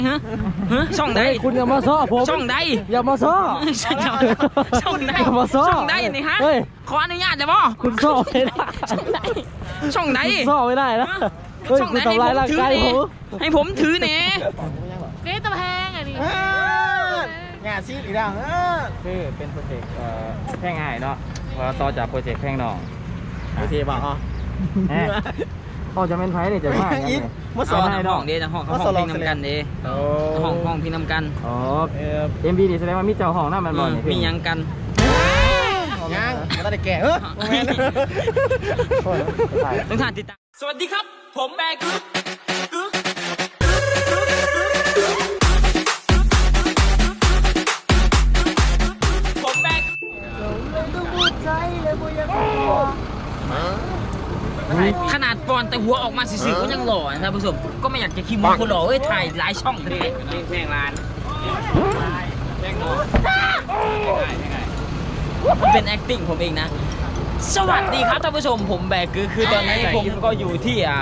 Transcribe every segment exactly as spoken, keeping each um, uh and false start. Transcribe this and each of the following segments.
ฮะฮะช่องใดคุณอย่ามาซ้อผมช่องใดอย่ามาซ้อช่องใดอย่ามาซ้อช่องใดนี่ฮะขออนุญาตได้บ่คุณซ้อไม่ได้ช่องใดช่องใดซ้อไม่ได้นะช่องไหนให้ผมถือเน่ให้ผมถือเน่นี่ตะแพงอ่ะดิงานซีอีกอย่างคือเป็นโปรเจกต์แพงง่ายเนาะพอต่อจากโปรเจกต์แพงหนองโอเคบอกอ๋อพ่อจะเป็นไผ่เนี่ยจะว่าอย่างนี้มาสอนห้องเด้ห้องเขาห้องพิงนำกันเด้ห้องห้องพิงนำกันอ๋อเอ็มบีนี่แสดงว่ามีเจ้าห้องนั่นมันบ่อยมียังกันยังไม่ได้แก่เออต้องทานติดตามสวัสดีครับผมแบกึ๊กกึ๊กผมแบกขนาดปอนแต่หัวออกมาสื่อๆก็ยังหล่อนะผู้ชมก็ไม่อยากจะคิดว่าคนหล่อเอ้ยถ่ายหลายช่องเลยแพงร้านมันเป็น acting ผมเองนะสวัสดีครับท่านผู้ชมผมแบกคือคือตอนนี้ผมก็อยู่ที่อ่า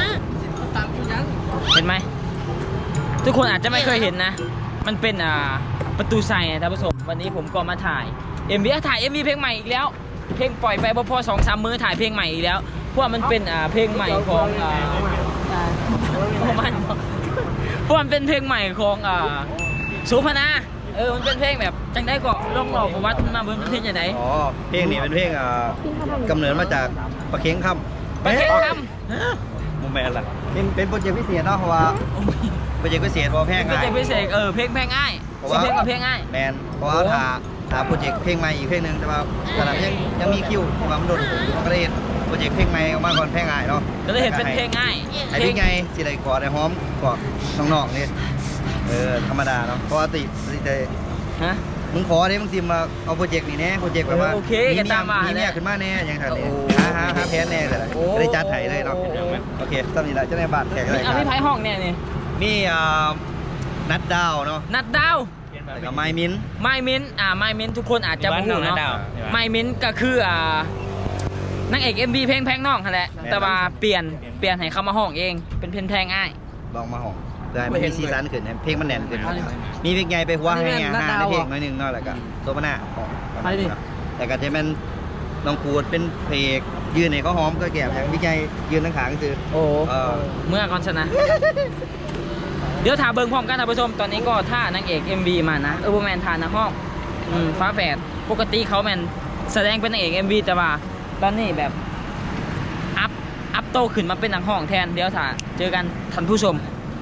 เห็นไหมทุกคนอาจจะไม่เคยเห็นนะมันเป็นอ่าประตูไซนะท่านผู้ชมวันนี้ผมก็มาถ่าย เอ็ม วี ถ่าย เอ็ม วี เพลงใหม่อีกแล้วเพลงปล่อยไปพอสองสามมื้อถ่ายเพลงใหม่อีกแล้วเพราะมันเป็นอ่าเพลงใหม่ของอ่ามันเพราะมันเป็นเพลงใหม่ของอ่าสุพนาเออมันเป็นเพลงแบบจังได้ก็ล่องหลอกวัดมาเบิ้งเป็นเพลงอย่างไรอ๋อเพลงนี้เป็นเพลงอ่ากำเนิดมาจากปลาเค็งคำปลาเค็งคำมุมแมนล่ะเป็นเป็นโปรเจกต์พิเศษเนาะเพราะว่าโปรเจกต์พิเศษเพราะเพลงง่ายโปรเจกต์พิเศษเออเพลงเพลงง่ายเพลงกับเพลงง่ายแมนเพราะว่าถ้าถ้าโปรเจกต์เพลงใหม่อีกเพลงหนึ่งแต่ว่าขณะยังยังมีคิวที่ว่ามันโดนก็ได้โปรเจกต์เพลงใหม่ออกมาก่อนเพลงง่ายเนาะก็เลยเห็นเป็นเพลงง่ายไอ้พี่ไงสิได้กอดได้หอมกอดน้องๆนี่เออธรรมดาเนาะปกติสิได้ฮะมึงขอเนี่ยมึงซิมมาเอาโปรเจกต์นี้แน่โปรเจกต์แบบว่าโอเคกันตามมามีเนี่ยขึ้นมาแน่ยังไงเนี่ยหาหาหาแพ้แน่เลยได้จัดไถ่เลยเนาะโอเคตอนนี้แหละจะได้บาดแขกอะไรครับพี่ไพ่ห้องเนี่ยนี่มีนัดดาวเนาะนัดดาวแล้วก็ไมมินไมมินอ่าไมมินทุกคนอาจจะไม่รู้เนาะไมมินก็คืออ่านางเอก เอ็ม วี เพลงแพงน้องแหละแต่ว่าเปลี่ยนเปลี่ยนให้เขามาห้องเองเป็นเพลงแพงง่ายลองมาห้องได้ไม่มีซีซันขึ้นเพลงมันแน่นขึ้นมีเพลงใหญ่ไปหัวให้ไงหาในเพลงน้อยหนึ่งเนาะแล้วก็โซบาน่าแต่ก็จะเป็นน้องปูดเป็นเพลงยืนในเขาหอมก็แก่อย่างพี่ใหญ่ยืนทั้งขาก็คือโอ้เมื่อก่อนชนะเดี๋ยวถ่าเบิ้งพร้อมกันท่านผู้ชมตอนนี้ก็ท่านางเอก เอ็ม วี มานะเออร์แมนทานนะห้องฟ้าแฝดปกติเขาแมนแสดงเป็นนางเอก เอ็ม วี แต่ว่าตอนนี้แบบอัพอัพโตขึ้นมาเป็นนางห้องแทนเดี๋ยวถ่าเจอกันท่านผู้ชม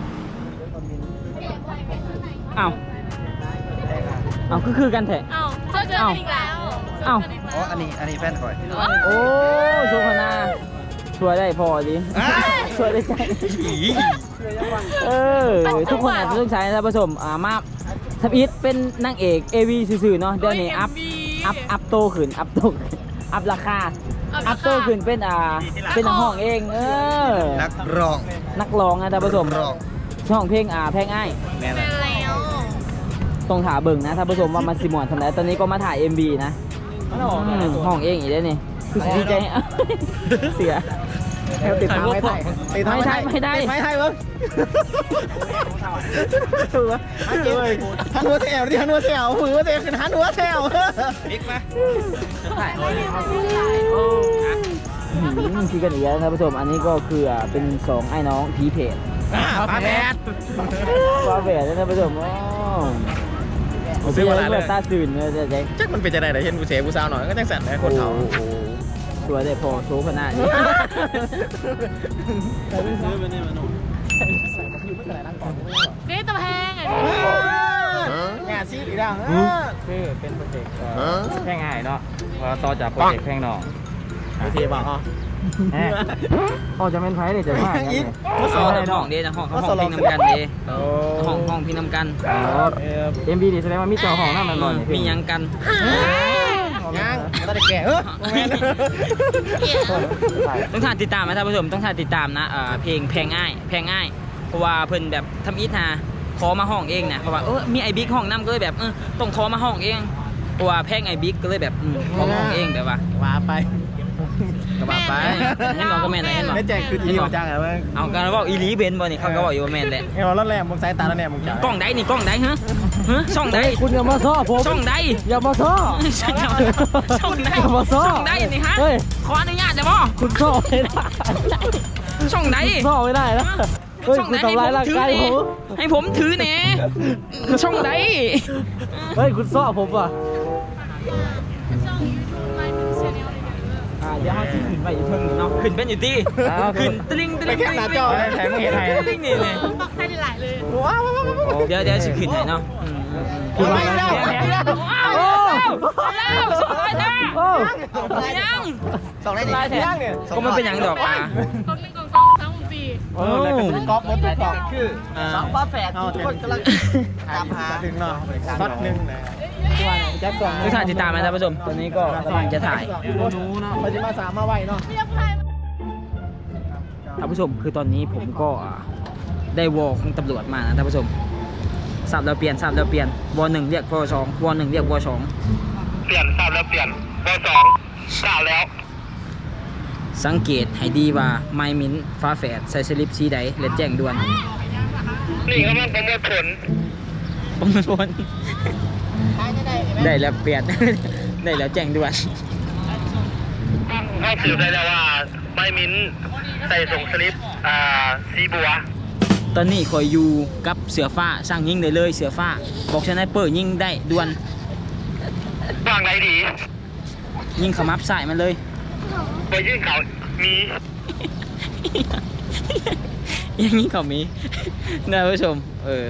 อ้าวอ้าวก็คือกันแท้อ้าวเจอเจอกันอีกแล้วอ้าวอ๋ออันนี้อันนี้แฟนคอยโอ้สุพนาช่วยได้พอดิช่วยได้ใจเออทุกคนอาจจะต้องใช้ท่านผู้ชมอ่ามาทับอิทเป็นนางเอก เอ วี ซื่อๆเนาะเดี๋ยวนี้อัพอัพอัพโตขึ้นอัพโตอัพราคาอัพโตขึ้นเป็นอ่าเป็นนักห้องเองเออนักร้องนักร้องนะท่านผู้ชมช่องเพลงอ่าเพลงง่ายแม่แล้วต้องถ่าเบิ่งนะท่านผู้ชมว่ามันสิมวนทำไรตอนนี้ก็มาถ่าย เอ็ม บี นะห้องเองอีกแล้วนี่คือดีใจเสียติดทางไม่ได้ติดทางไม่ได้ไม่ได้ไม่ได้เว้ยทันหัวแถวดิทันหัวแถวมือเตะขึ้นทันหัวแถวบิ๊กมาถ่ายคือกันอีกแล้วท่านผู้ชมอันนี้ก็คือเป็นสองไอ้น้องพีเพจฟ้าแฝดฟ้าแฝดท่านผู้ชมโอ้ซื้อมาแล้วตาสื่นเลยเจ๊จักมันเป็นจะได้แต่เห็นผู้เสพผู้สาวหน่อยก็จังสั่นนะคนเขาสวยได้พอโชว์ขนาดนี้นี่ตะแพงอ่ะงานซีอีกอย่างคือเป็นโปรเจกต์แพงง่ายเนาะพอต่อจากโปรเจกต์แพงหนองโอเคบอกอ๋อพ่อจะเป็นไผ่เนี่ยจะว่าอย่างนี้มาสอนห้องเด้ห้องเขาห้องพิงนำกันเด้ห้องห้องพิงนำกันเอ็ม บี นี่แสดงว่ามีเจ้าห้องนั่นมันบ่อยมียังกันยังไม่ได้แก่เออต้องถ่ายติดตามนะท่านผู้ชมต้องถ่ายติดตามนะเพลงแพงง่ายแพงง่ายเพราะว่าเพิ่นแบบทำอิทนาขอมาห้องเองนะเพราะว่าเออมีไอบิ๊กห้องน้ำก็เลยแบบเออต้องขอมาห้องเองเพราะว่าแพงไอบิ๊กก็เลยแบบขอมาห้องเองแบบว่าว่าไปกับว่าไปเห็นบอกก็แม่นอะไรเห็นบอกไม่แจกคืออีหัวจังเหรอมึงเอาการว่าอีหลีเบนบ่นี่เขาก็บอกอยู่ว่าแม่นแหละเห็นว่าแล้วแรงมึงสายตาแล้วแรงมึงจ่ายกล้องใดนี่กล้องใดฮะฮะช่องใดคุณอย่ามาซ้อผมช่องใดอย่ามาซ้อช่องใดอย่ามาซ้อช่องใดนี่ฮะเฮ้ยขออนุญาตได้บ่คุณซ้อไม่ได้ช่องใดซ้อไม่ได้นะเฮ้ยช่องคุณใดทำร้ายร่างกายผมให้ผมถือแหน่ช่องใดเฮ้ยคุณซ้อผมว่ะช่องยูทูบไลฟ์ชแนลเลยเนี่ยอ่าเดี๋ยวเขาสิขึ้นไปอยู่เพิ่งนี่เนาะขึ้นเป็นอยู่ที่ขึ้นตลิงตไปลิงแค่หน้าจอเลยแถมไม่เห็นไทยตลิงนี่เลยปักใส่หลายๆเลยเดี๋ยวเดี๋ยวสิขึ้นให้เนาะอืมอืมคุณมาแล้วโอ้แล้วสองร้อยจ้าโอ้ยังสองได้ดิลายแท้ก็มันเป็นหยังดอกอ่ะกล่องหนึ่งกล่องสองสามกล่องสี่เออแล้วก็เป็นก๊อฟหมดทุกกล่องคืออ่าสองฟ้าแฝดทุกคนกำลังตามหาถึงเนาะช็อตหนึ่งเลยแจ็คสองทุกท่านติดตามนะท่านผู้ชมตอนนี้ก็กำลังจะถ่ายโอ้หนูเนาะไปจะมาสามมาไวเนาะเรียบร้อยท่านผู้ชมคือตอนนี้ผมก็อ่าได้วอลของตำรวจมานะท่านผู้ชมสับแล้วเปลี่ยนสับแล้วเปลี่ยนวอลหนึ่งเรียกวอลสองวอลหนึ่งเรียกวอลสองเปลี่ยนทราบแล้วเปลี่ยนเบอร์สองทราบแล้วสังเกตให้ดีว่าไมมินฟ้าแฝดใส่สลิปสีใดและแจ้งด่วนนี่กำลังประมวลผลประมวลผลได้แล้วเปลี่ยน ได้แล้วแจ้งด่วนเข้าสืบได้แล้วว่าใบมิ้นใส่ส่งสลิปอ่าสีบัวตอนนี้คอยอยู่กับเสือฟ้าสร้างยิงได้เลยเสือฟ้าบอกชนะเปิดยิงได้ด่วนวางไรดียิงขมับใส่มันเลยไปยื่นเขามีอย่างนี้เขามี นะผู้ชมเออ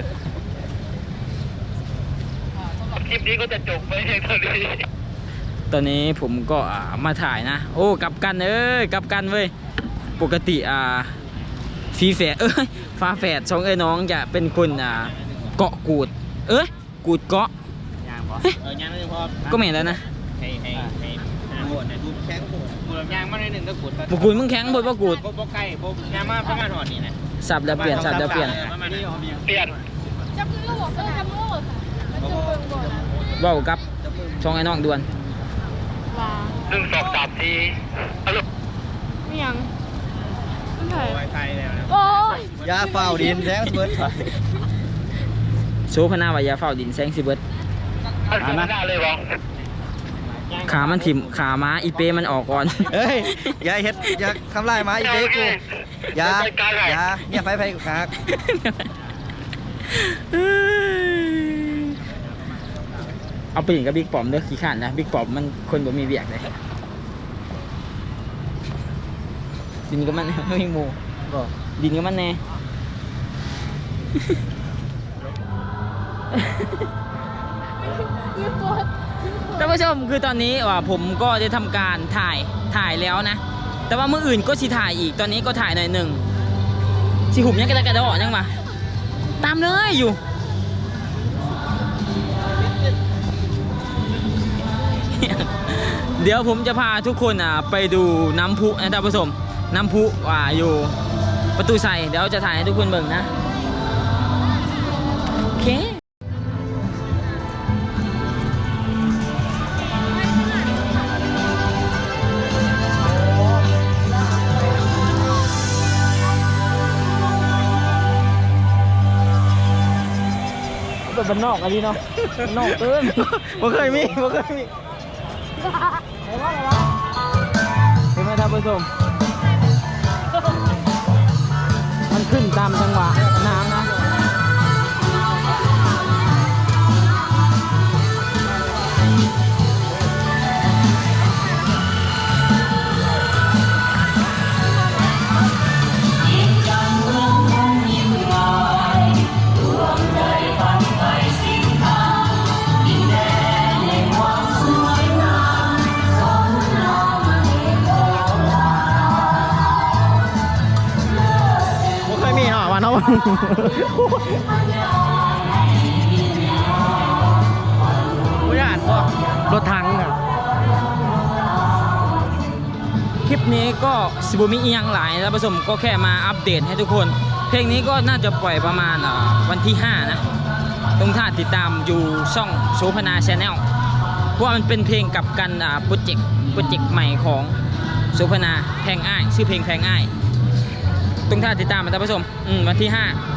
คลิปนี้ก็จะจบไปเพียงเท่านี้ตอนนี้ผมก็อ่ามาถ่ายนะ โอ้กลับกันเอ้ยกลับกันเว้ยปกติอ่าฟีแฝดเอ้ยฟ้าแฝดสองเอ้ยน้องจะเป็นคนอ่าเกาะกูด เอ้ยกูดเกาะยางพอเออยางไม่พอก็ไม่เห็นแล้วนะให้ให้ให้ให้โหดให้ดูแข็งโหดโหดยางมาในหนึ่งก็กูดบุกูดมึงแข็งบดว่ากูดโบใกล้โบยางมาประมาณหอดนี่นะสับแล้วเปลี่ยนสับแล้วเปลี่ยนประมาณนี้เปลี่ยนจับมือก็บอกเออจับมือก็บอกค่ะมันจะเบิ่งบ่นะเว้ากับช่องไอ้น้องด่วนว่าหนึ่งสองสามสี่เอาลูกไม่ยังไม่ใช่ไวไฟแล้วนะโอ้ยยาเฝ้าดินแท้เบิดโซพนาวายาเฝ้าดินแสงสิเบิดเอาสิบหน้าเลยบอขามันถิ่มขาม้าอีเปมันออกก่อนเฮ้ยอย่าเฮ็ดอย่าทำลายหมาอีเด้กูอย่าอย่าเนี่ยไฟไฟกูคักเอาไปหญิงกับบิ๊กปอมเด้อขี้ข้านนะบิ๊กปอมมันคนบ่มีเบียกเลยดินกับมันไม่มีหมูดินกับมันแน่ยืดตัวท่านผู้ชมคือตอนนี้ว่าผมก็ได้ทำการถ่ายถ่ายแล้วนะ แต่ว่ามืออื่นก็สิถ่ายอีกตอนนี้ก็ถ่ายหน่อยหนึ่งสิหุบยังกระดากระดอยังมาตามเลยอยู่ เดี๋ยวผมจะพาทุกคนอ่ะไปดูน้ำพุนะท่านผู้ชมน้ำพุว่าอยู่ประตูใส่เดี๋ยวจะถ่ายให้ทุกคนเบิ่งนะโอเคแบบบ้านนอกอันนี้เนาะบ้านนอกเกินบ่เคยมีบ่เคยมีเห็นไหมท่านผู้ชมมันขึ้นตามจังหวะน้ำนะบ่เคยมีเนาะวันเนาะ ไม่อ่านว่ารถถังอ่ะคลิปนี้ก็สิบุมิอีหยังหลายแล้วผสมก็แค่มาอัปเดตให้ทุกคน เพลงนี้ก็น่าจะปล่อยประมาณอ่าวันที่ห้านะตรงท่าติดตามอยู่ช่องโซพนาชาแนลเพราะว่ามันเป็นเพลงกับกันอ่าโปรเจกต์โปรเจกต์ใหม่ของโสุพนาแพงอ้ายชื่อเพลงแพงอ้ายตรงท่าติดตามมาท่านผู้ชมอืมวันที่ห้า